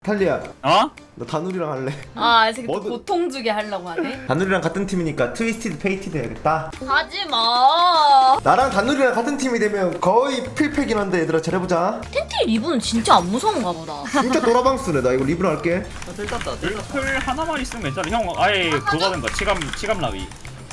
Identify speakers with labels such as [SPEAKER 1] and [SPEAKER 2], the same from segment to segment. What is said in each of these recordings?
[SPEAKER 1] 탈리야,
[SPEAKER 2] 어?
[SPEAKER 1] 너 다누리랑 할래?
[SPEAKER 3] 아, 이 새끼 또
[SPEAKER 1] 뭐든-
[SPEAKER 3] 고통 주게 하려고 하네.
[SPEAKER 1] 다누리랑 같은 팀이니까 트위스티드 페이티드 해야겠다.
[SPEAKER 3] 하지 마.
[SPEAKER 1] 나랑 다누리랑 같은 팀이 되면 거의 필패긴 한데 얘들아 잘해보자.
[SPEAKER 3] 텐트 리브는 진짜 안 무서운가 보다.
[SPEAKER 1] 진짜 도라방스네. 나 이거 리브로 할게.
[SPEAKER 4] 들 땄다 들 땄다.
[SPEAKER 2] 풀 하나만 있으면 괜찮아. 형 아예 그거 하든가 치감 라위.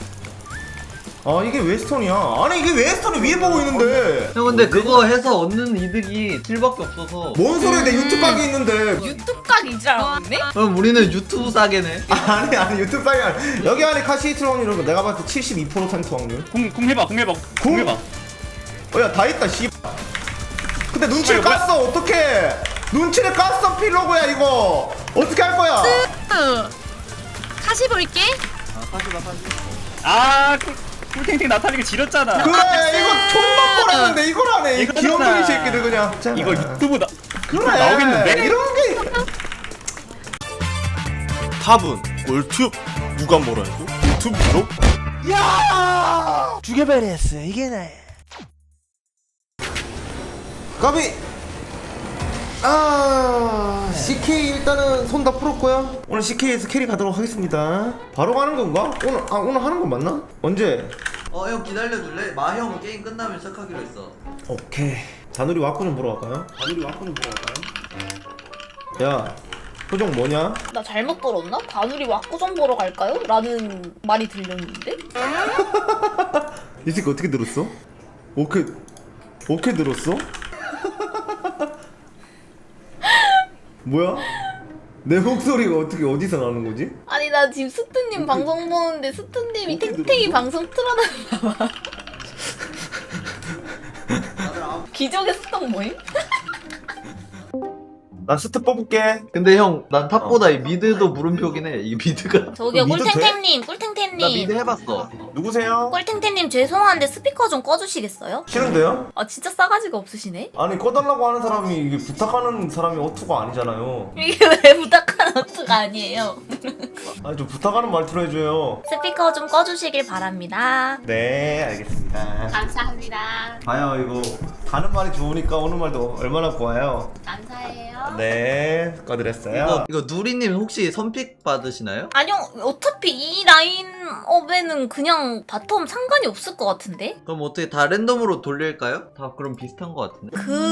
[SPEAKER 1] 아 이게 웨스턴이야. 아니 이게 웨스턴이 위에 보고 있는데.
[SPEAKER 4] 형 근데 그거 해서 얻는 이득이 7밖에 없어서
[SPEAKER 1] 뭔 소리야, 내 유튜브 각이 있는데.
[SPEAKER 3] 유튜브 각이 줄 알았네?
[SPEAKER 4] 그럼 우리는 유튜브 싸게네.
[SPEAKER 1] 아니 유튜브 각이 아니. 여기 안에 카시히트론 이런 거 내가 봤을 때 72% 확률.
[SPEAKER 2] 궁 해봐.
[SPEAKER 1] 야 다 있다 씨. 근데 눈치를
[SPEAKER 2] 뭐야?
[SPEAKER 1] 깠어. 어떡해. 눈치를 깠어 필로그야 이거. 어떻게 할 거야?
[SPEAKER 3] 다시 볼게.
[SPEAKER 2] 꿀탱탱 나타나게 지렸잖아.
[SPEAKER 1] 그래 이거 촌만 보라는데 이걸 하네. 이
[SPEAKER 2] 이거잖아.
[SPEAKER 1] 귀염둥이 새끼들 그냥. 자.
[SPEAKER 2] 이거 유튜브
[SPEAKER 1] 그래
[SPEAKER 2] 나오겠는데?
[SPEAKER 1] 이런 게.
[SPEAKER 5] 탑은 꿀팁 누가 뭐라 해도 유튜브로
[SPEAKER 1] 야! 죽여버렸어 이게 나. 까비. CK 일단은 손 다 풀었고요. 오늘 CK에서 캐리 가도록 하겠습니다. 바로 가는 건가? 오늘 하는 건 맞나? 언제?
[SPEAKER 4] 형 기다려줄래? 마형 게임 끝나면 시작하기로 했어.
[SPEAKER 1] 오케이. 다누리 와꾸 좀 보러 갈까요? 야, 표정 뭐냐?
[SPEAKER 3] 나 잘못 들었나? 다누리 왁구점 보러 갈까요? 라는 말이 들렸는데?
[SPEAKER 1] 이 새끼 어떻게 들었어? 오케이 들었어? 뭐야? 내 목소리가 어떻게 어디서 나는 거지?
[SPEAKER 3] 아니 나 지금 스트님 방송 보는데 스트님이
[SPEAKER 1] 어떻게
[SPEAKER 3] 탱탱이
[SPEAKER 1] 들었어?
[SPEAKER 3] 방송 틀어놨나 봐. 기적의 스톡 모임?
[SPEAKER 1] 나 스트 뽑을게.
[SPEAKER 4] 근데 형 난 탑보다 이 미드도 물음표긴 해. 이 미드가.
[SPEAKER 3] 저기요
[SPEAKER 1] 믿어도 돼?
[SPEAKER 3] 꿀탱탱님
[SPEAKER 4] 나 미드
[SPEAKER 3] 꿀탱탱님
[SPEAKER 4] 해봤어.
[SPEAKER 1] 누구세요?
[SPEAKER 3] 꿀탱탱님 죄송한데 스피커 좀 꺼주시겠어요?
[SPEAKER 1] 싫은데요?
[SPEAKER 3] 아 진짜 싸가지가 없으시네?
[SPEAKER 1] 아니 꺼달라고 하는 사람이 이게 부탁하는 사람이 어투가 아니잖아요.
[SPEAKER 3] 이게 왜 부탁하는 어투가 아니에요.
[SPEAKER 1] 아니 좀 부탁하는 말투로 해줘요.
[SPEAKER 3] 스피커 좀 꺼주시길 바랍니다.
[SPEAKER 1] 네 알겠습니다.
[SPEAKER 3] 감사합니다.
[SPEAKER 1] 봐요 이거 가는 말이 좋으니까 오는 말도 얼마나 좋아요.
[SPEAKER 3] 감사해요.
[SPEAKER 1] 네 꺼드렸어요.
[SPEAKER 4] 이거 누리님 혹시 선픽 받으시나요?
[SPEAKER 3] 아니요 어차피 이 라인업에는 그냥 바텀 상관이 없을 것 같은데?
[SPEAKER 4] 그럼 어떻게 다 랜덤으로 돌릴까요? 다 그럼 비슷한 것 같은데.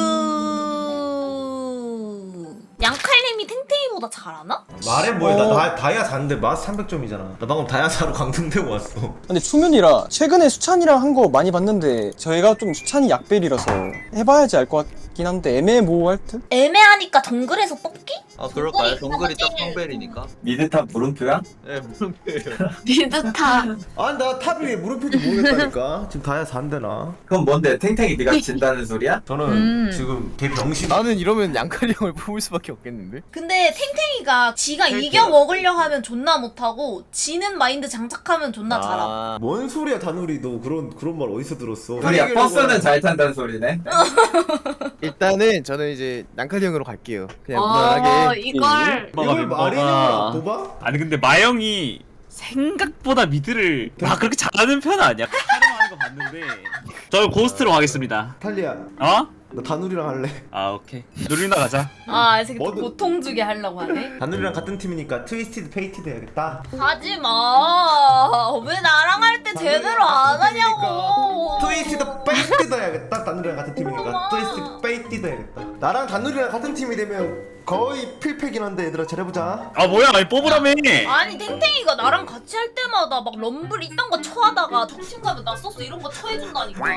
[SPEAKER 3] 양칼님이 탱탱이보다 잘하나?
[SPEAKER 1] 말해 뭐해. 나 다이아 4인데 마스 300점이잖아. 나 방금 다이아 4로 강등되고 왔어.
[SPEAKER 6] 근데 초면이라 최근에 수찬이랑 한 거 많이 봤는데 저희가 좀 수찬이 약벨이라서 해봐야지 알 것 같긴 한데 애매모호할 듯?
[SPEAKER 3] 애매하니까 정글에서 뽑기?
[SPEAKER 4] 아 그럴까요? 정글이 딱 성벨이니까.
[SPEAKER 2] 미드탑 물음표야?
[SPEAKER 4] 네 물음표예요.
[SPEAKER 3] 비슷하.
[SPEAKER 1] 아니 나 탑이 왜 물음표인지 모르겠다니까. 지금 다이아 4인데 나.
[SPEAKER 2] 그럼 뭔데? 탱탱이 네가 진다는 소리야?
[SPEAKER 1] 저는 지금 개 병신.
[SPEAKER 5] 나는 이러면 양칼이 형을 뽑을 수밖에 없겠는데?
[SPEAKER 3] 근데 탱탱이가 지가 이겨 먹으려 하면 존나 못하고 지는 마인드 장착하면 존나 잘함.
[SPEAKER 1] 뭔 소리야 다누리. 너 그런 말 어디서 들었어?
[SPEAKER 7] 소리야 버스는 잘 탄다는 소리네.
[SPEAKER 5] 일단은 저는 이제 양칼이 형으로 갈게요. 그냥 무난하게.
[SPEAKER 3] 이걸
[SPEAKER 1] 이걸 말이냐 도봐?
[SPEAKER 2] 아니 근데 마영이 생각보다 미드를 그렇게 잘하는 편은 아니야. 촬영하는 거 봤는데. 저 고스트로 가겠습니다.
[SPEAKER 1] 탈리야
[SPEAKER 2] 어?
[SPEAKER 1] 너 다누리랑 할래?
[SPEAKER 2] 아 오케이. 누리나 가자.
[SPEAKER 3] 아, 이 새끼 또
[SPEAKER 1] 뭐든-
[SPEAKER 3] 고통 주게 하려고 하네.
[SPEAKER 1] 다누리랑 같은 팀이니까 트위스티드 페이티드 해야겠다.
[SPEAKER 3] 하지 마. 왜 나랑 할 때 제대로 안 하냐고.
[SPEAKER 1] 트위스티드 페이티드 해야겠다. 다누리랑 같은 팀이니까 트위스티드 페이티드 해야겠다. 나랑 다누리랑 같은 팀이 되면 거의 필패긴 한데 얘들아 잘해보자.
[SPEAKER 2] 아 뭐야? 아니 뽑으라며.
[SPEAKER 3] 아니 탱탱이가 나랑 같이 할 때마다 막 럼블 이딴 거 쳐하다가 정신 가면 나 소스 이런 거 쳐해준다니까.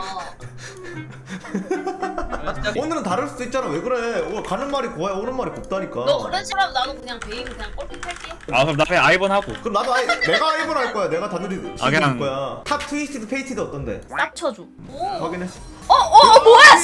[SPEAKER 1] 오늘은 다를 수도 있잖아. 왜 그래? 가는 말이 고와야 오는 말이 곱다니까.
[SPEAKER 3] 너 그런 식으로 나도 그냥 베인 그냥 꼴픽 할게.
[SPEAKER 2] 아 그럼 나 그냥 아이번 하고.
[SPEAKER 1] 그럼 나도 내가 아이번 할 거야. 내가 다누리
[SPEAKER 2] 아,
[SPEAKER 1] 시킬
[SPEAKER 2] 그냥-
[SPEAKER 1] 거야. 탑 트위스티드 페이티드 어떤데?
[SPEAKER 3] 싹 쳐줘. 오.
[SPEAKER 1] 확인했어.
[SPEAKER 3] 뭐야?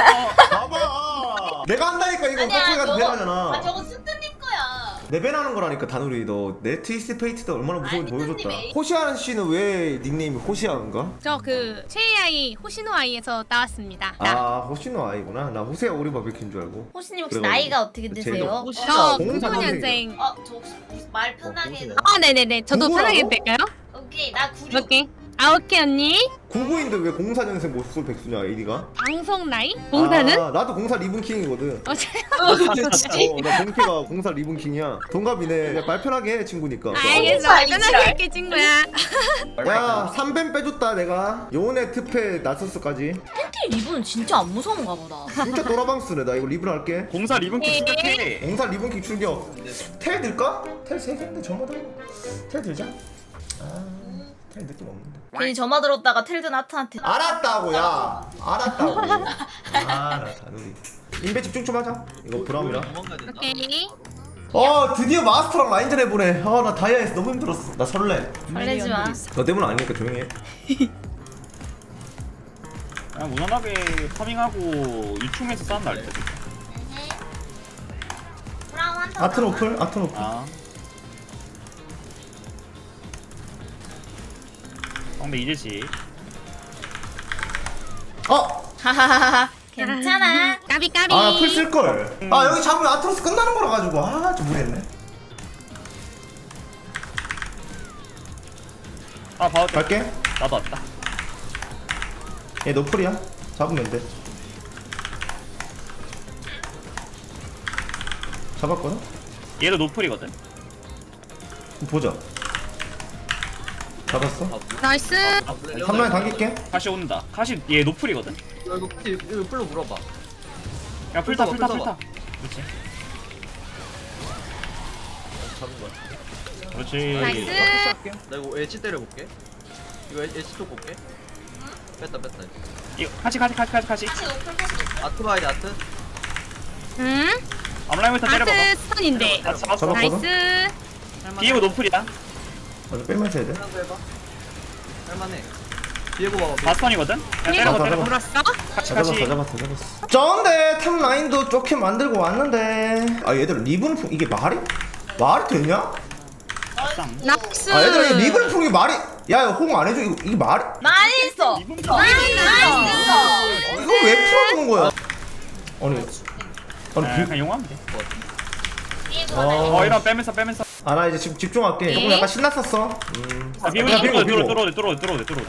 [SPEAKER 1] 봐봐. 내가 한다니까 이거
[SPEAKER 3] 아니야
[SPEAKER 1] 깍두기가
[SPEAKER 3] 저거.
[SPEAKER 1] 배나잖아.
[SPEAKER 3] 아 저거 스트님 거야.
[SPEAKER 1] 내 배나는 거라니까 다누리. 너 내 트위스티드 페이티드 얼마나 무서운지
[SPEAKER 3] 아니,
[SPEAKER 1] 보여줬다.
[SPEAKER 3] 선생님이-
[SPEAKER 1] 호시아는 씨는 왜 닉네임이 호시아인가?
[SPEAKER 8] 저 그 최애아이 호시노 아이에서 나왔습니다.
[SPEAKER 1] 아 호시노 아이구나. 나 호세아 오리바베큐인 줄 알고.
[SPEAKER 3] 호시님 혹시
[SPEAKER 1] 그래가지고.
[SPEAKER 3] 나이가 어떻게
[SPEAKER 1] 제일
[SPEAKER 3] 되세요?
[SPEAKER 8] 저
[SPEAKER 1] 공삼
[SPEAKER 8] 99년생.
[SPEAKER 3] 저 혹시 말 편하게 해도.
[SPEAKER 8] 네네네. 저도
[SPEAKER 1] 누구라고?
[SPEAKER 8] 편하게 될까요?
[SPEAKER 3] 오케이 나 96.
[SPEAKER 8] 오케이. 아 오케이 언니.
[SPEAKER 1] 99인데 왜 04년생 못쏠 백수냐 AD가?
[SPEAKER 8] 방송 나이? 공사는?
[SPEAKER 1] 아, 나도 04 리븐킹이거든.
[SPEAKER 8] 어,
[SPEAKER 1] 나 본캐가 04 리븐킹이야. 동갑이네. 야, 말 편하게 해 친구니까.
[SPEAKER 8] 알겠어.
[SPEAKER 3] 공사
[SPEAKER 8] 편하게
[SPEAKER 3] 이지랄.
[SPEAKER 8] 할게 친구야.
[SPEAKER 1] 야 3뱀 빼줬다 내가. 요네 특패 나서스까지.
[SPEAKER 3] 팬티 리본은 진짜 안 무서운가 보다.
[SPEAKER 1] 진짜 또라방스네. 나 이거 리븐 할게.
[SPEAKER 2] 공사 리본킥 시작해.
[SPEAKER 1] 04 리븐킹 출격. 텔 들까? 텔 3개인데 저마다. 텔 들자. 텔 느낌 없는데.
[SPEAKER 3] 괜히 점화 들었다가 텔든 하트한테.
[SPEAKER 1] 알았다고 야. 알았다고. 아나 다누리. 인베 집중 좀 하자. 이거 브라움이라.
[SPEAKER 8] 오케이.
[SPEAKER 1] 드디어 마스터랑 라인전 해보네. 나 다이아에서 너무 힘들었어. 나 설레.
[SPEAKER 3] 설레지 마.
[SPEAKER 1] 너 때문 아니니까 조용히 해.
[SPEAKER 2] 그냥 무난하게 파밍하고 유충에서 싸움 날 때.
[SPEAKER 3] 브라운 한타.
[SPEAKER 1] 아트 노플? 아트 노플.
[SPEAKER 2] 아. 근데 이제지.
[SPEAKER 3] 하하하하. 괜찮아.
[SPEAKER 8] 까비 까비.
[SPEAKER 1] 풀 쓸걸. 여기 잡으면 아트로스 끝나는 거라 가지고. 좀 무리했네.
[SPEAKER 2] 봐도 돼.
[SPEAKER 1] 갈게.
[SPEAKER 2] 나도 왔다.
[SPEAKER 1] 얘 노플이야. 잡으면 돼. 잡았거든?
[SPEAKER 2] 얘도 노플이거든.
[SPEAKER 1] 보자. 잡았어?
[SPEAKER 8] 나이스.
[SPEAKER 1] 3라인 당길게.
[SPEAKER 2] 카시 온다. 카시 얘 노플이거든.
[SPEAKER 4] 이거 풀로 물어봐.
[SPEAKER 2] 야 풀타
[SPEAKER 4] 풀
[SPEAKER 2] 풀타
[SPEAKER 4] 써봐.
[SPEAKER 2] 풀타. 그렇지.
[SPEAKER 4] 잡은 거야.
[SPEAKER 2] 그렇지.
[SPEAKER 8] 나이스.
[SPEAKER 4] 나 이거 엣지 때려볼게. 이거 엣지 쪽 볼게. 뺐다.
[SPEAKER 2] 이거 카시.
[SPEAKER 4] 아트 봐야 돼 아트.
[SPEAKER 8] 응.
[SPEAKER 2] 앞라인부터 때려봐봐.
[SPEAKER 8] 아트 스턴인데.
[SPEAKER 2] 아, 잡았어.
[SPEAKER 1] 잡았거든?
[SPEAKER 8] 나이스.
[SPEAKER 2] 비에고 노플이야.
[SPEAKER 1] 맞아, 빼면서 해야 돼.
[SPEAKER 4] 한번 해봐. 할만해. 비에고 봐봐.
[SPEAKER 2] 바스턴이거든. 야
[SPEAKER 8] 이거
[SPEAKER 2] 때려봐
[SPEAKER 1] 잡아,
[SPEAKER 2] 때려봐.
[SPEAKER 8] 물었어?
[SPEAKER 2] 카시
[SPEAKER 1] 다
[SPEAKER 2] 카시.
[SPEAKER 1] 잡았어. 쩐데 탑 라인도 좋게 만들고 왔는데. 얘들 리븐 풍 이게 말이 되냐?
[SPEAKER 2] 쌍.
[SPEAKER 8] 나이스.
[SPEAKER 1] 얘들아 이 리븐 풍이 말이. 야 홍 안 해줘. 이게 말이?
[SPEAKER 3] 많이 있어.
[SPEAKER 8] 나이스.
[SPEAKER 1] 이거 왜 풀어주는 거야? 아니
[SPEAKER 2] 그냥 용하면 돼.
[SPEAKER 1] 아,
[SPEAKER 2] 이런 빼면서.
[SPEAKER 1] 나 이제 지금 집중할게. 조금 약간 신났었어.
[SPEAKER 2] 비고
[SPEAKER 1] 야, 비고.
[SPEAKER 2] 들어오대.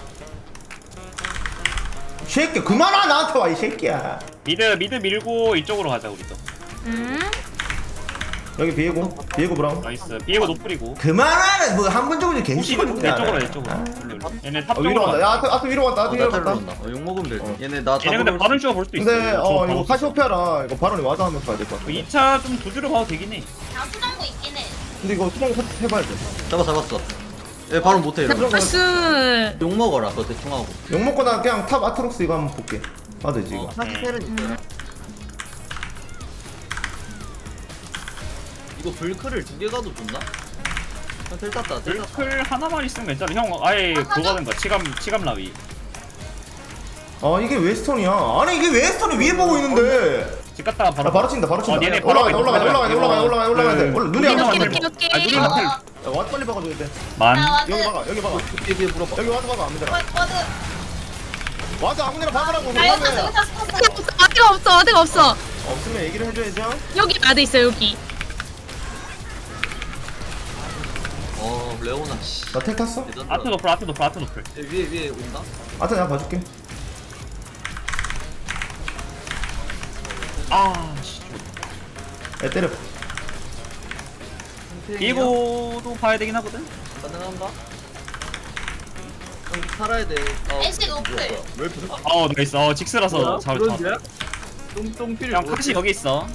[SPEAKER 1] 새끼 그만아 나한테 와 이 새끼야.
[SPEAKER 2] 미드 밀고 이쪽으로 가자 우리도.
[SPEAKER 8] 응.
[SPEAKER 1] 여기 비에고 브라운.
[SPEAKER 2] 나이스. 비에고 노플이고.
[SPEAKER 1] 그만하네. 뭐 한 번 정도
[SPEAKER 2] 혹시
[SPEAKER 1] 갱신은
[SPEAKER 2] 내 쪽으로. 얘네 탑
[SPEAKER 1] 위로
[SPEAKER 2] 쪽으로
[SPEAKER 1] 간다.
[SPEAKER 2] 가.
[SPEAKER 1] 야 아트 위로 간다. 아트 위로
[SPEAKER 4] 나탈로
[SPEAKER 1] 간다.
[SPEAKER 4] 온다. 욕 먹으면 될 듯. 얘네 나
[SPEAKER 2] 얘네 근데 바른 슈가 볼 수도 있어.
[SPEAKER 1] 근데 이거 카시오페아라 이거 바론이 와드 하면서 가야 될 것 같아.
[SPEAKER 2] 2차 좀 두드려 봐도 되긴 해.
[SPEAKER 3] 다 수정도 있긴 해.
[SPEAKER 1] 근데 이거 수정 해봐야 돼.
[SPEAKER 4] 잡았어. 얘 바로 못해 이러면.
[SPEAKER 8] 나이스.
[SPEAKER 4] 욕 먹어라. 그거 대충 하고.
[SPEAKER 1] 욕 먹고 나 그냥 탑 아트록스 이거 한번 볼게. 봐도 되지 이거.
[SPEAKER 4] 사기텔은 있어요. 이거 불크를 2개 가도 좋나? 텔 땄다.
[SPEAKER 2] 불클 하나만 있으면 괜찮아. 형 아예 그거 하든가 치감 라위.
[SPEAKER 1] 이게 웨스턴이야. 아니 이게 웨스턴이 위에 보고 있는데.
[SPEAKER 2] 집 갔다가 바로.
[SPEAKER 1] 바로 친다.
[SPEAKER 2] 얘네
[SPEAKER 1] 올라가야 돼. 눈이 안
[SPEAKER 8] 오케이,
[SPEAKER 1] 맞네.
[SPEAKER 8] 오케이, 오케이.
[SPEAKER 2] 아 누리 나텔.
[SPEAKER 1] 와드 빨리 박아줘야 돼.
[SPEAKER 2] 만.
[SPEAKER 1] 여기 박아.
[SPEAKER 4] 뒤에 물어봐.
[SPEAKER 1] 여기 와드 박아 안 되잖아.
[SPEAKER 3] 와드.
[SPEAKER 1] 와드 아무데나 박으라고.
[SPEAKER 3] 나 여기서
[SPEAKER 1] 그러면.
[SPEAKER 3] 여기서 스포츠.
[SPEAKER 8] 아드가 없어.
[SPEAKER 1] 없으면 얘기를 해줘야죠.
[SPEAKER 8] 여기 아드 있어 여기.
[SPEAKER 4] 레오나 씨.
[SPEAKER 1] 나 텔 탔어?
[SPEAKER 2] 아트 노플.
[SPEAKER 4] 위에 온다.
[SPEAKER 1] 아트 내가 봐줄게.
[SPEAKER 2] 아 씨.
[SPEAKER 1] 야 때려.
[SPEAKER 2] 비에고도 봐야 되긴 하거든.
[SPEAKER 4] 가능한가? 형 살아야 돼.
[SPEAKER 3] 애쉬 노플.
[SPEAKER 4] 왜 부서?
[SPEAKER 2] 나이스. 직스라서 잡았다.
[SPEAKER 4] 그런데? 똥필.
[SPEAKER 2] 형 카시 여기 있어.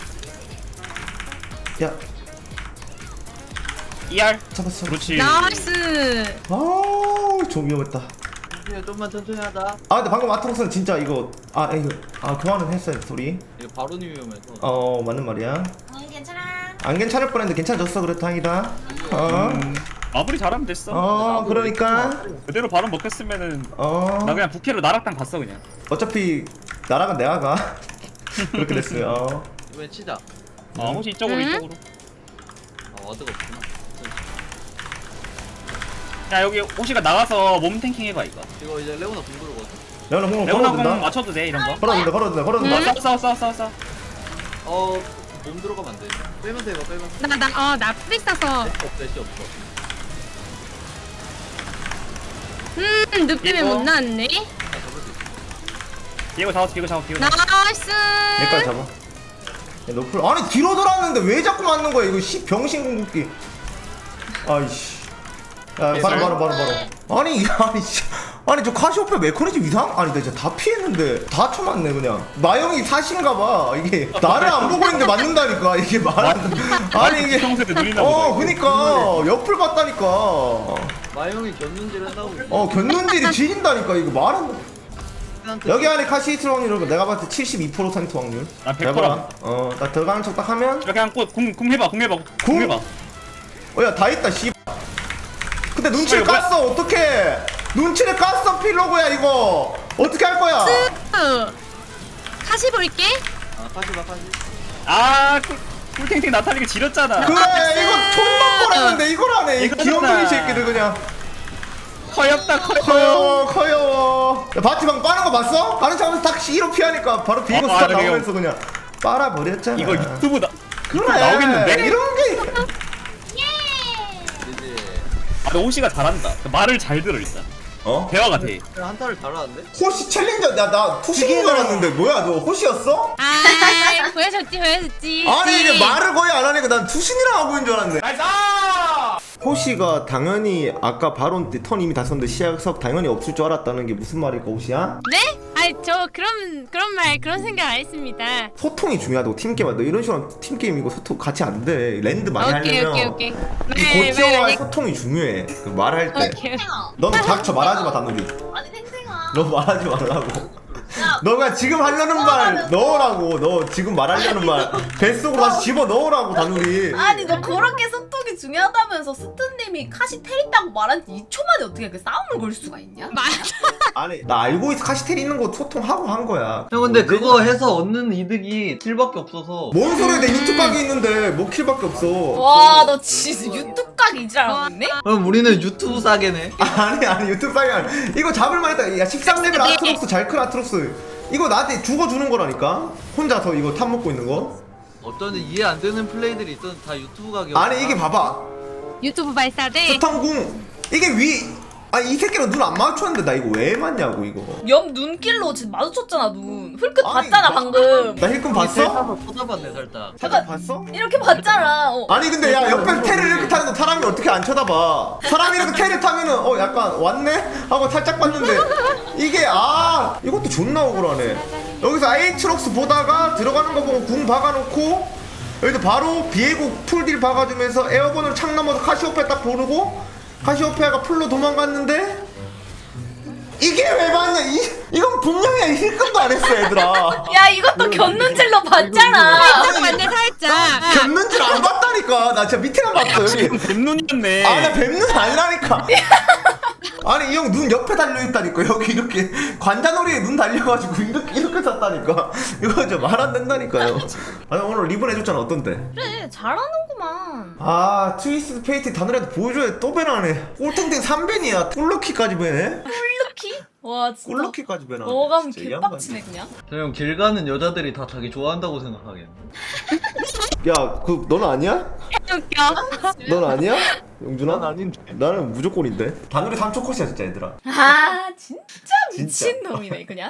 [SPEAKER 1] 야
[SPEAKER 2] ER.
[SPEAKER 1] 잡았어.
[SPEAKER 2] 그렇지.
[SPEAKER 8] 나이스.
[SPEAKER 1] 좀 위험했다.
[SPEAKER 4] 좀만 천천히 하자.
[SPEAKER 1] 근데 방금 아트록스는 진짜 이거 교환은 했어요 소리.
[SPEAKER 4] 이거 바로니 위험해서.
[SPEAKER 1] 맞는 말이야.
[SPEAKER 3] 괜찮아.
[SPEAKER 1] 안 괜찮을 뻔했는데 괜찮아졌어. 그래 다행이다.
[SPEAKER 2] 마무리 잘하면 됐어.
[SPEAKER 1] 그러니까
[SPEAKER 2] 그대로 바로 먹혔으면은
[SPEAKER 1] 어
[SPEAKER 2] 나 그냥 부캐로 나락당 갔어 그냥.
[SPEAKER 1] 어차피 나락은 내가 가. 그렇게 됐어요.
[SPEAKER 4] 이번엔 치자.
[SPEAKER 2] 혹시 이쪽으로.
[SPEAKER 4] 와드가 없구나.
[SPEAKER 2] 야 여기 호시가 나가서 몸 탱킹 해봐 이거.
[SPEAKER 4] 이거 이제 레오나 공부르거든.
[SPEAKER 1] 레오나 공
[SPEAKER 2] 레오나 공
[SPEAKER 1] 걸어준다.
[SPEAKER 2] 맞춰도 돼 이런 거.
[SPEAKER 1] 걸어준다.
[SPEAKER 2] 싸워.
[SPEAKER 4] 몸 들어가면 안 돼. 빼면서 해봐, 빼면서.
[SPEAKER 8] 나 프리 싸서.
[SPEAKER 4] 애쉬 없어.
[SPEAKER 8] 늑대에 못 나왔네.
[SPEAKER 2] 이거 잡았어 이거 잡았어 이거.
[SPEAKER 8] 나이스.
[SPEAKER 1] 여기까지 잡아. 야, 노플 아니 뒤로 돌았는데 왜 자꾸 맞는 거야 이거 씨 병신 궁극기. 아이씨. 야 바로. 아니 씨. 아니 저 카시오페아 메커니즘 이상? 아니 나 진짜 다 피했는데 다 쳐맞네 그냥. 마영이 사신가봐 이게. 나를 안 보고 있는데 맞는다니까 이게 말안 돼. 아니 이게.
[SPEAKER 2] 평소에 눈이나 보다.
[SPEAKER 1] 그니까 옆을 봤다니까.
[SPEAKER 4] 마영이 견눈질 한다고.
[SPEAKER 1] 견눈질이 지린다니까 이거 말은. 여기 안에 카시히트 확률은 내가 봤을 때 72% 상투 확률.
[SPEAKER 2] 나 100%.
[SPEAKER 1] 해봐라. 나 들어가는 척 딱 하면
[SPEAKER 2] 그냥 궁 해봐 궁 해봐.
[SPEAKER 1] 야 다 있다 씨. 근데 눈치를
[SPEAKER 2] 이거 뭐야?
[SPEAKER 1] 깠어 어떡해. 눈치를 깠어 필로그야 이거. 어떻게 할 거야?
[SPEAKER 8] 다시 볼게.
[SPEAKER 4] 아 카시바 카시.
[SPEAKER 2] 아 꿀탱탱 나타나게 지렸잖아.
[SPEAKER 1] 그래 이거 존나 뻔했는데 이걸 하네 이
[SPEAKER 2] 이거잖아.
[SPEAKER 1] 귀염둥이 새끼들 그냥.
[SPEAKER 2] 커요.
[SPEAKER 1] 커요. 야, 바티방 빠는 거 봤어? 가는 척하면서 딱 C로 피하니까 바로 비고 스타
[SPEAKER 2] 그래요.
[SPEAKER 1] 나오면서 그냥 빨아버렸잖아.
[SPEAKER 2] 이거 유튜브
[SPEAKER 1] 그래
[SPEAKER 2] 나오겠는데?
[SPEAKER 1] 이런 게.
[SPEAKER 4] 이제
[SPEAKER 2] 근데 호시가 잘한다. 말을 잘 들어 일단. 대화가 돼.
[SPEAKER 4] 그냥 한타를 잘하는데?
[SPEAKER 1] 호시 챌린저 나 투식인 줄 알았는데 뭐야 너 호시였어?
[SPEAKER 8] 아, 보여줬지.
[SPEAKER 1] 아니 이게 말을 거의 안 하니까 난 투신이랑 하고 있는 줄 알았네. 호시가 당연히 아까 바론 때 턴 이미 다 썼는데 시야석 당연히 없을 줄 알았다는 게 무슨 말일까 호시야?
[SPEAKER 8] 네? 아니 저 그런 생각 안 했습니다.
[SPEAKER 1] 소통이 중요하다고 팀게임 너 이런 식으로 팀게임 이거 소통 같이 안 돼. 랜드 많이
[SPEAKER 8] 오케이.
[SPEAKER 1] 하려면
[SPEAKER 8] 네,
[SPEAKER 1] 이 고치와의 소통이 중요해. 그 말할 때.
[SPEAKER 8] 오케이.
[SPEAKER 1] 넌 닥쳐 말하지 마 단우리.
[SPEAKER 3] 아니 탱탱아.
[SPEAKER 1] 너 말하지 말라고.
[SPEAKER 3] 야,
[SPEAKER 1] 너가 지금 하려는 말 넣으라고. 너 지금 말하려는 말 뱃속으로 다시 집어 넣으라고 단우리.
[SPEAKER 3] 아니 너 그렇게 소통이 중요하다면서 스트님이 카시 테린다고 말한 지 2초 만에 어떻게 그 싸움을 걸 수가 있냐?
[SPEAKER 1] 아니 나 알고 있어 카시텔 있는 거 소통하고 한 거야.
[SPEAKER 4] 형 근데 그거 해서 얻는 이득이 7밖에 없어서.
[SPEAKER 1] 뭔 소리야 내 유튜브 각이 있는데 뭐 킬밖에 없어.
[SPEAKER 3] 와 너 진짜 유튜브 각 이지랄하고 있네?
[SPEAKER 4] 그럼 우리는 유튜브 싸게네.
[SPEAKER 1] 아니 유튜브 각이 아니 이거 잡을만 했다. 야 13레벨 아트록스 잘 큰 아트록스 이거 나한테 죽어주는 거라니까. 혼자서 이거 탑 먹고 있는 거.
[SPEAKER 4] 어쩐지 이해 안 되는 플레이들이 있던 다 유튜브 가게.
[SPEAKER 1] 아니 이게 봐봐
[SPEAKER 8] 유튜브 발사대.
[SPEAKER 1] 스턴궁 이게 아니 이 새끼랑 눈 안 마주쳤는데 나 이거 왜 맞냐고 이거.
[SPEAKER 3] 옆 눈길로 지금 마주쳤잖아 눈. 훌끗
[SPEAKER 1] 아니,
[SPEAKER 3] 봤잖아
[SPEAKER 1] 나-
[SPEAKER 3] 방금.
[SPEAKER 1] 나 힐끔 봤어?
[SPEAKER 4] 한번 쳐다봤네 살짝.
[SPEAKER 1] 살짝 봤어?
[SPEAKER 3] 이렇게 봤잖아.
[SPEAKER 1] 아니 근데 야 옆에서 테를 이렇게 타는데 사람이 어떻게 안 쳐다봐. 사람이 이렇게 테를 타면은 약간 왔네? 하고 살짝 봤는데 이게 이것도 존나 억울하네. 여기서 아이트록스 보다가 들어가는 거 보고 궁 박아놓고 여기서 바로 비에고 풀딜 박아주면서 에어건으로 창 넘어서 카시오페아 딱 보르고 카시오페아가 풀로 도망갔는데 이게 왜 맞냐. 이건 분명히 힐끔도 안 했어 얘들아.
[SPEAKER 3] 야 이것도 견눈질로 봤잖아.
[SPEAKER 8] 살짝 맞네 살짝.
[SPEAKER 1] 겹는줄 안 봤다니까. 나 진짜 밑에만 봤어 여기.
[SPEAKER 2] 지금 뱀눈이었네.
[SPEAKER 1] 나 뱀눈 아니라니까. 아니 이 형 눈 옆에 달려있다니까. 여기 이렇게 관자놀이에 눈 달려가지고 이렇게 샀다니까. 이거 좀 말 안 된다니까요. 아니 오늘 리본 해줬잖아. 어떤데?
[SPEAKER 3] 그래 잘하는구만.
[SPEAKER 1] 트위스트 페이트 다늘한테 보여줘야 또 배나네. 꼴탱탱 3벤이야 꿀럭키까지 배네.
[SPEAKER 3] 꿀루키? 와 진짜.
[SPEAKER 1] 꿀럭키까지 배나.
[SPEAKER 3] 너가 개빡치네 그냥.
[SPEAKER 4] 형 길 가는 여자들이 다 자기 좋아한다고 생각하겠네.
[SPEAKER 1] 야 너는 아니야?
[SPEAKER 8] 웃겨.
[SPEAKER 1] 넌 아니야? 용준아?
[SPEAKER 4] 난 아닌데.
[SPEAKER 1] 나는 무조건인데. 다늘이 3초 컷이야 진짜 얘들아.
[SPEAKER 3] 아 진짜 미친 놈이네 그냥.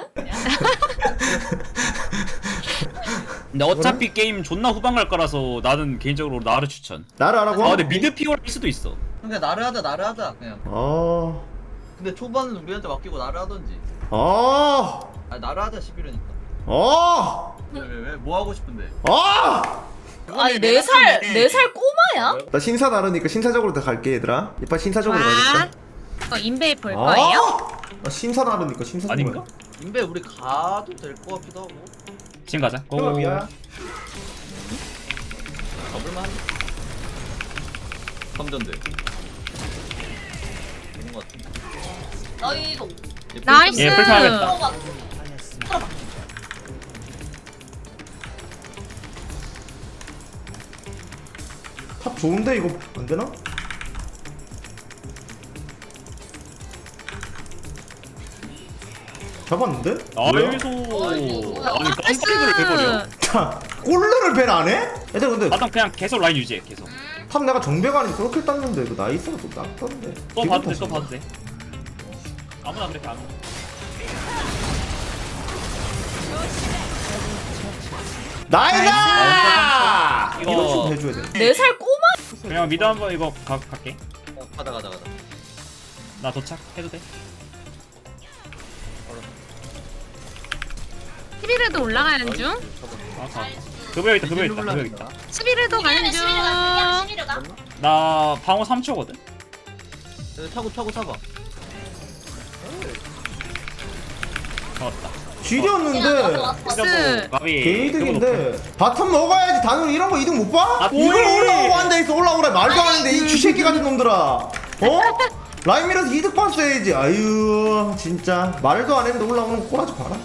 [SPEAKER 2] 근데 어차피 게임 존나 후방 갈 거라서 나는 개인적으로 나를 추천.
[SPEAKER 1] 나를 하라고?
[SPEAKER 2] 근데 미드 피오를 할 수도 있어.
[SPEAKER 4] 그냥 나를 하자 그냥. 근데 초반은 우리한테 맡기고 나를 하던지. 아니 나를 하자 11이니까. 왜 뭐 하고 싶은데?
[SPEAKER 3] 아니 4살 꼬마야?
[SPEAKER 1] 나 신사 나르니까 신사적으로 다 갈게 얘들아. 이빨 신사적으로
[SPEAKER 8] 와.
[SPEAKER 1] 가겠어.
[SPEAKER 8] 인베이 볼 거예요?
[SPEAKER 1] 나 신사 나르니까 신사적으로.
[SPEAKER 2] 아닌가?
[SPEAKER 4] 인베 우리 가도 될 것 같기도 하고.
[SPEAKER 2] 지금 가자.
[SPEAKER 1] 가. 미야.
[SPEAKER 4] 가볼만 한데. 3전대. 좋은 것 같은데.
[SPEAKER 3] 너희도
[SPEAKER 8] 나이스.
[SPEAKER 2] 예, 불편하겠다.
[SPEAKER 3] 들어가.
[SPEAKER 1] 탑 좋은데 이거 안 되나? 잡았는데? 뭐야?
[SPEAKER 2] 나이소. 아니 깜빡이를 해버려.
[SPEAKER 1] 자, 꼴르를 벤 안 해? 얘들 근데
[SPEAKER 2] 나도 그냥 계속 라인 유지해 계속.
[SPEAKER 1] 탑 내가 정배관이 그렇게 땄는데 이거 나이스가 또 땄던데.
[SPEAKER 2] 또 봐도 돼, 또 봐도 돼. 아무나 그렇게 안 해.
[SPEAKER 1] 나이다!
[SPEAKER 2] 이거-
[SPEAKER 1] 이거 좀 해줘야 돼.
[SPEAKER 3] 4살 꼬마?
[SPEAKER 2] 그냥 미드 한번 이거 갈게.
[SPEAKER 4] 가자.
[SPEAKER 2] 나 도착 해도 돼?
[SPEAKER 8] 11회도 올라가는 중.
[SPEAKER 2] 아 가. 급여 있다. 급여 있다.
[SPEAKER 8] 11회도 가는 중.
[SPEAKER 3] 11호가?
[SPEAKER 2] 나 방어 3초거든.
[SPEAKER 4] 차고 잡아.
[SPEAKER 2] 잡았다.
[SPEAKER 1] 지렸는데
[SPEAKER 8] 스.
[SPEAKER 2] 가비.
[SPEAKER 1] 개이득인데 바텀 먹어야지. 단으로 이런 거 이득 못 봐?
[SPEAKER 2] 아,
[SPEAKER 1] 이걸
[SPEAKER 2] 뭐해?
[SPEAKER 1] 올라오고 앉아있어. 올라오래 말도 안 하는데 이 쥐새끼 같은 놈들아. 어? 라인 밀어서 이득 봤어야지. 아유 진짜 말도 안 했는데 올라오는 거 꼬라지 봐라.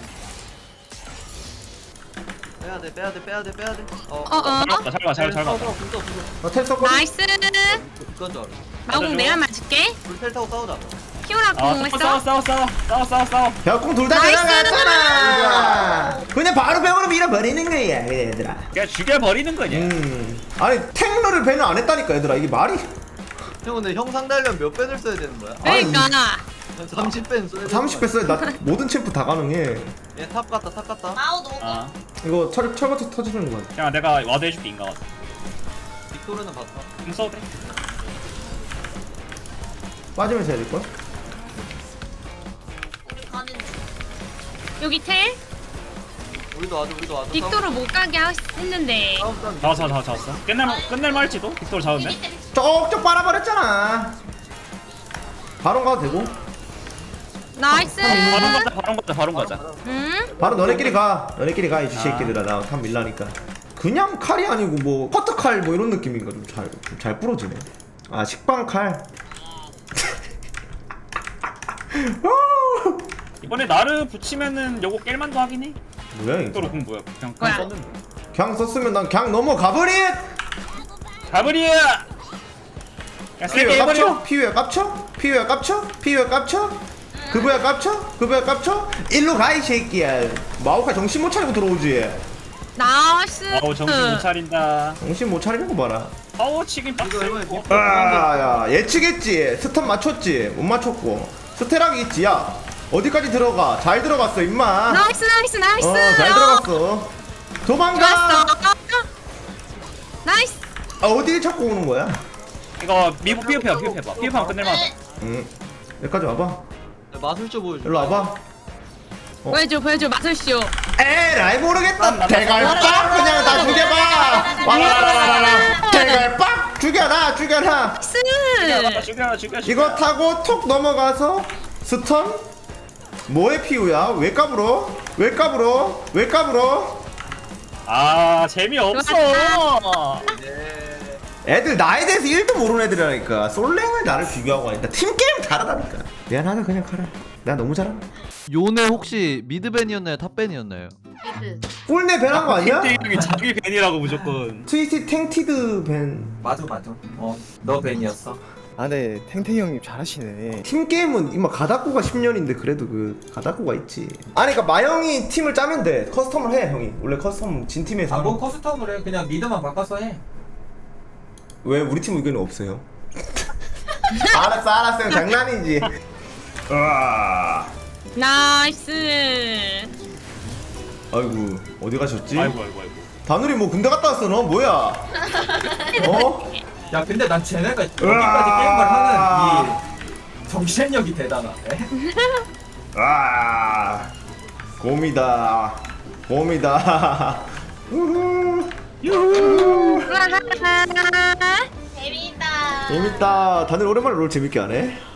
[SPEAKER 4] 빼야 돼.
[SPEAKER 2] 잘 봤다.
[SPEAKER 1] 나텔 썼거든?
[SPEAKER 8] 나이스.
[SPEAKER 4] 그건 줄 알아.
[SPEAKER 8] 마공 내가 맞을게.
[SPEAKER 4] 불텔 타고 싸우자.
[SPEAKER 8] 키오라
[SPEAKER 2] 아
[SPEAKER 8] 공했어.
[SPEAKER 2] 싸워.
[SPEAKER 1] 벽공 둘 다
[SPEAKER 8] 나이스!
[SPEAKER 1] 지나갔잖아. 그냥 바로 벽으로 밀어버리는 거야 그래 얘들아.
[SPEAKER 2] 그냥 죽여버리는 거냐?
[SPEAKER 1] 아니 탱러를 배는 안 했다니까 얘들아. 이게 말이
[SPEAKER 4] 형 근데 형 상대하려면 몇 밴을 써야 되는 거야?
[SPEAKER 8] 그러니까.
[SPEAKER 4] 30밴 써야 되는
[SPEAKER 1] 30배 써야 나 모든 챔프 다 가능해.
[SPEAKER 4] 얘탑 갔다.
[SPEAKER 3] 마우 노고.
[SPEAKER 2] 아
[SPEAKER 1] 이거 철거치 터지는 거야.
[SPEAKER 2] 그냥 내가 와드 해줄게 인가 와드.
[SPEAKER 4] 빅토르는 봤어.
[SPEAKER 2] 공 써도 돼.
[SPEAKER 1] 빠지면서 해야 될걸?
[SPEAKER 3] 우리 가는 중.
[SPEAKER 8] 여기 텔.
[SPEAKER 4] 우리도 와줘.
[SPEAKER 8] 빅토르 못 가게 했는데.
[SPEAKER 2] 잡았어. 끝낼 말지도 빅토르 잡으면.
[SPEAKER 1] 쪽쪽 빨아버렸잖아. 바론 가도 되고.
[SPEAKER 8] 나이스.
[SPEAKER 2] 바론 가자.
[SPEAKER 8] 응?
[SPEAKER 1] 바로 너네끼리 가 이 쥐새끼들아. 나 탑 밀라니까. 그냥 칼이 아니고 뭐 커트칼 뭐 이런 느낌인가. 좀 잘 부러지네. 아 식빵 칼.
[SPEAKER 2] 이번에 나르 붙이면은 요거 깰만도 하긴 해.
[SPEAKER 1] 뭐야 이거.
[SPEAKER 2] 빅토르 공 뭐야? 그냥
[SPEAKER 8] 뭐야?
[SPEAKER 2] 썼는데.
[SPEAKER 1] 그냥 썼으면 난 그냥 넘어가버리.
[SPEAKER 2] 가브리야. 야 세게 해버려.
[SPEAKER 1] 피부야 깝쳐. 그거야 깝쳐. 일로 가 이 새끼야. 마오카 정신 못 차리고 들어오지.
[SPEAKER 8] 나이스.
[SPEAKER 2] 아우 정신 못 차린다.
[SPEAKER 1] 정신 못 차리는 거 봐라.
[SPEAKER 2] 파워 치긴 빡세.
[SPEAKER 1] 야 예측했지. 스턴 맞췄지. 못 맞췄고. 스테락이 있지. 야 어디까지 들어가. 잘 들어갔어 임마.
[SPEAKER 8] 나이스.
[SPEAKER 1] 잘 들어갔어. 도망가.
[SPEAKER 8] 좋았어. 나이스.
[SPEAKER 1] 어딜 찾고 오는 거야?
[SPEAKER 2] 이거 미국 피업해봐. 피업하면 끝낼만하다.
[SPEAKER 1] 응. 여기까지 와봐.
[SPEAKER 4] 마술쇼 보여줘.
[SPEAKER 1] 일로 와봐.
[SPEAKER 8] 보여줘 마술쇼.
[SPEAKER 1] 에라이 모르겠다. 대갈빡 그냥 다 죽여봐. 와라라라라. 대갈빡 죽여라.
[SPEAKER 8] 나이스.
[SPEAKER 2] 죽여.
[SPEAKER 1] 이거 타고 톡 넘어가서 스턴? 뭐의 피우야? 왜 까불어?
[SPEAKER 2] 아 재미없어.
[SPEAKER 1] 애들 나에 대해서 1도 모르는 애들이라니까. 솔랭을 나를 비교하고 하니까 팀게임 다르다니까. 미안하다 그냥 카라. 내가 너무 잘한다.
[SPEAKER 4] 요네 혹시 미드밴이었나요? 탑밴이었나요?
[SPEAKER 3] 미드.
[SPEAKER 1] 꿀내 밴한 거 아니야?
[SPEAKER 2] 땡땡이 자기 벤이라고 무조건.
[SPEAKER 1] 트위티 탱티드 밴.
[SPEAKER 7] 맞아. 너 벤이었어.
[SPEAKER 5] 아 네, 탱탱이 형님 잘하시네.
[SPEAKER 1] 팀게임은 이마 가다꾸가 10년인데 그래도 그 가다꾸가 있지. 아니 그니까 마영이 팀을 짜면 돼. 커스텀을 해 형이. 원래 커스텀 진 팀에서
[SPEAKER 7] 뭐
[SPEAKER 1] 하는.
[SPEAKER 7] 커스텀을 해. 그냥 미드만 바꿔서 해.
[SPEAKER 1] 왜 우리 팀 의견은 없어요? 알았어 형 장난이지. 으아.
[SPEAKER 8] 나이스.
[SPEAKER 1] 아이고 어디 가셨지?
[SPEAKER 2] 아이고.
[SPEAKER 1] 다누리 뭐 군대 갔다 왔어 너 뭐야? 어?
[SPEAKER 7] 야 근데 난 쟤네가 여기까지 게임을 하는 이 정신력이 대단하네.
[SPEAKER 1] 아 곰이다. 우후.
[SPEAKER 8] 우와.
[SPEAKER 3] 재밌다.
[SPEAKER 1] 재밌다. 다들 오랜만에 롤 재밌게 하네.